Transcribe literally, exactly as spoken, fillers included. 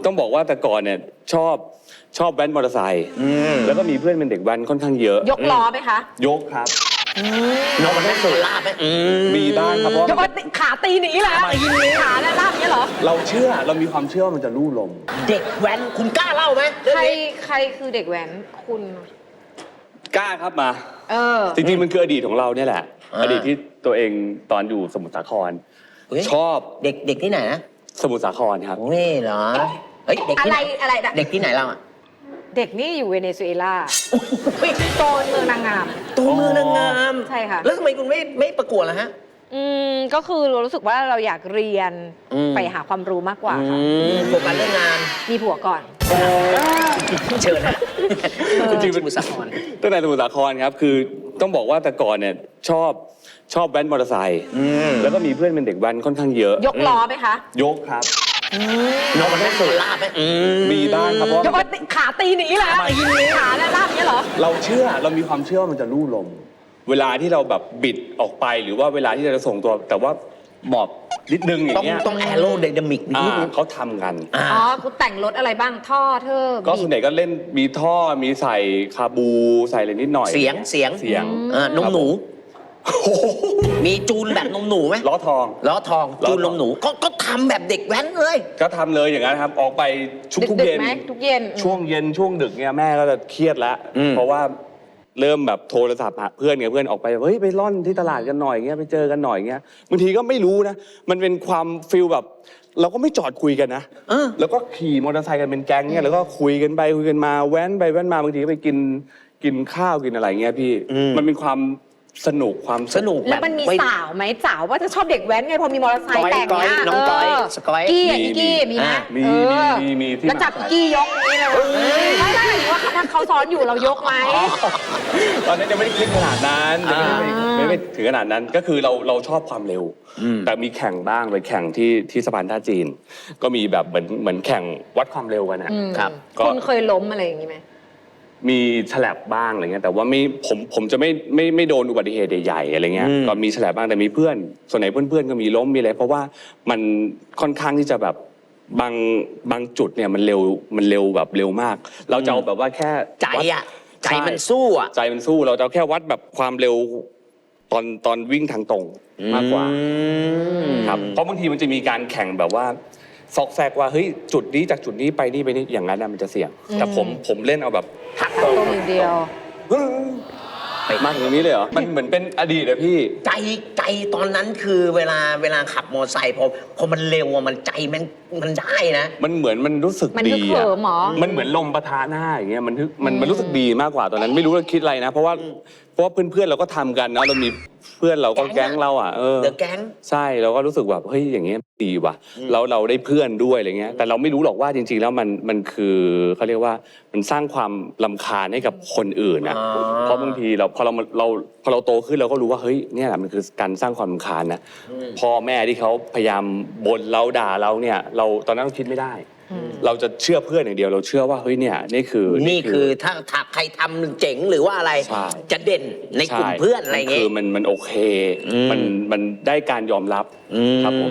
ต้องบอกว่าแต่ก่อนเนี่ยชอบชอบแว้นมอเตอร์ไซค์แล้วก็มีเพื่อนเป็นเด็กแว้นค่อนข้างเยอะยกล้อไหมคะยกครับยกมันได้สุดลาบไหมมีบ้างครับเพราะยกขาตีหนีแหละขาและลาบเนี้ยเหรอเราเชื่อเรามีความเชื่อว่ามันจะลู่ลมเด็กแว้นคุณกล้าเล่าไหมใครใครคือเด็กแว้นคุณกล้าครับมาเออจริงๆมันคืออดีตของเราเนี่ยแหละอดีตที่ตัวเองตอนอยู่สมุทรสาครชอบเด็กเด็กที่ไหนนะสมุทรสาครครับนี่เหรอเฮ้ยเด็กอะไรอะไรเด็กที่ไหนเราอ่ะเด็กนี่อยู่เวเนซุเอลาโตนเมืองนางงามโตนเมืองนางงามใช่ค่ะแล้วทำไมคุณไม่ไม่ประกวดล่ะฮะอืมก็คือเรารู้สึกว่าเราอยากเรียนไปหาความรู้มากกว่าค่ะโฟกัสเรื่องงานมีผัวก่อนเชิญนะจริงๆเป็นสมุทรสาครตั้งแต่สมุทรสาครครับคือต้องบอกว่าแต่ก่อนเนี่ยชอบชอบแว้นมอเตอร์ไซค์แล้วก็มีเพื่อนเป็นเด็กแว้นค่อนข้างเยอะยกล้อไหมคะยกครับยกมันได้สุดลาบไหมมีบ้างครับเพราะยกขาตีหนีแหละขาและลาบเนี้ยเหรอเราเชื่อเรามีความเชื่อว่ามันจะลู่ลมเวลาที่เราแบบบิดออกไปหรือว่าเวลาที่เราจะส่งตัวแต่ว่าหมอบนิดนึงอย่างเงี้ยต้องแอโรไดนามิกนิดนึงเขาทำกันอ๋อคุณแต่งรถอะไรบ้างท่อเธอก็ส่วนใหญ่ก็เล่นมีท่อมีใส่คาบูใส่อะไรนิดหน่อยเสียงเสียงเสียงนมหนูมีจูนแบบนมหนูไหมล้อทองล้อทองจูนนมหนูก็ก็ทำแบบเด็กแว้นเลยก็ทำเลยอย่างนั้นครับออกไปชุกทุกเย็นทุกเย็นช่วงเย็นช่วงดึกเนี่ยแม่ก็จะเครียดแล้วเพราะว่าเริ่มแบบโทรศัพท์หาเพื่อนไงเพื่อนออกไปเฮ้ยไปล่อนที่ตลาดกันหน่อยเงี้ยไปเจอกันหน่อยเงี้ยบางทีก็ไม่รู้นะมันเป็นความฟีลแบบเราก็ไม่จอดคุยกันนะแล้วก็ขี่มอเตอร์ไซค์กันเป็นแก๊งเนี่ยแล้วก็คุยกันไปคุยกันมาแว้นไปแว้นมาบางทีก็ไปกินกินข้าวกินอะไรเงี้ยพี่มันเป็นความสนุกความสนุกแล้วมันมีสาวไหมสาวว่าจะชอบเด็กแว้นไงพอมีมอเตอร์ไซค์แต่งเนี่ยน้องก้อยสกอยกี้อีกี้มีไหมมีมีมีที่แล้วจับกี้ยกนี้เลยไม่ได้หรือว่าถ้าเขาซ้อนอยู่เรายกไหมตอนนั้นยังไม่ได้คิดขนาดนั้นไม่ไม่ถึงขนาดนั้นก็คือเราเราชอบความเร็วแต่มีแข่งบ้างไปแข่งที่ที่สะพานท่าจีนก็มีแบบเหมือนเหมือนแข่งวัดความเร็วกันนะครับคุณเคยล้มอะไรอย่างนี้ไหมมีฉลับบ้างอะไรเงี้ยแต่ว่าไม่ผมผมจะไม่ไม่ไม่โดนอุบัติเหตุใหญ่ๆอะไรเงี้ยก็มีฉลับบ้างแต่มีเพื่อนส่วนไหนเพื่อนๆก็มีล้มมีอะไรเพราะว่ามันค่อนข้างที่จะแบบบางบางจุดเนี่ยมันเร็วมันเร็วแบบเร็วมากเราจะเอาแบบว่าแค่ใจอ่ะใจมันสู้อ่ะใจมันสู้เราจะแค่วัดแบบความเร็วตอนตอนวิ่งทางตรงมากกว่าครับเพราะบางทีมันจะมีการแข่งแบบว่าซอกแซกว่าเฮ้ยจุดนี้จากจุดนี้ไปนี่ไปนี่อย่างนั้นมันจะเสี่ยงแต่ผมผมเล่นเอาแบบหักตรงอย่างเดียวไปมากตรงนี้เลยเหรอมันเหมือนเป็นอดีตอะพี่ใจใจตอนนั้นคือเวลาเวลาขับมอเตอร์ไซค์พอพอมันเร็วอะมันใจมันมันได้นะมันเหมือนมันรู้สึกดีอะมันเหมือนลมปะทะหน้าอย่างเงี้ยมันมันมันรู้สึกดีมากกว่าตอนนั้นไม่รู้ว่าคิดอะไรนะเพราะว่าเพราะว่าเพื่อนๆเราก็ทำกันเนาะเรามีเพื่อนเราก็แก๊งเราอ่ะเออเดอะแก๊งใช่เราก็รู้สึกแบบเฮ้ยอย่างเงี้ยดีว่ะเราเราได้เพื่อนด้วยอะไรเงี้ยแต่เราไม่รู้หรอกว่าจริงๆแล้วมันมันคือเขาเรียกว่ามันสร้างความรำคาญให้กับคนอื่นนะเพราะบางทีเราพอเราเราพอเราโตขึ้นเราก็รู้ว่าเฮ้ยเนี่ยแหละมันคือการสร้างความรำคาญนะพ่อแม่ที่เขาพยายามบ่นเราด่าเราเนี่ยเราตอนนั้นคิดไม่ได้เราจะเชื่อเพื่อนอย่างเดียวเราเชื่อว่าเฮ้ยเนี่ยนี่คือนี่คือถ้าถ้าใครทำเจ๋งหรือว่าอะไรจะเด่นในกลุ่มเพื่อนอะไรเงี้ยคือมันมันโอเคมันมันได้การยอมรับครับผม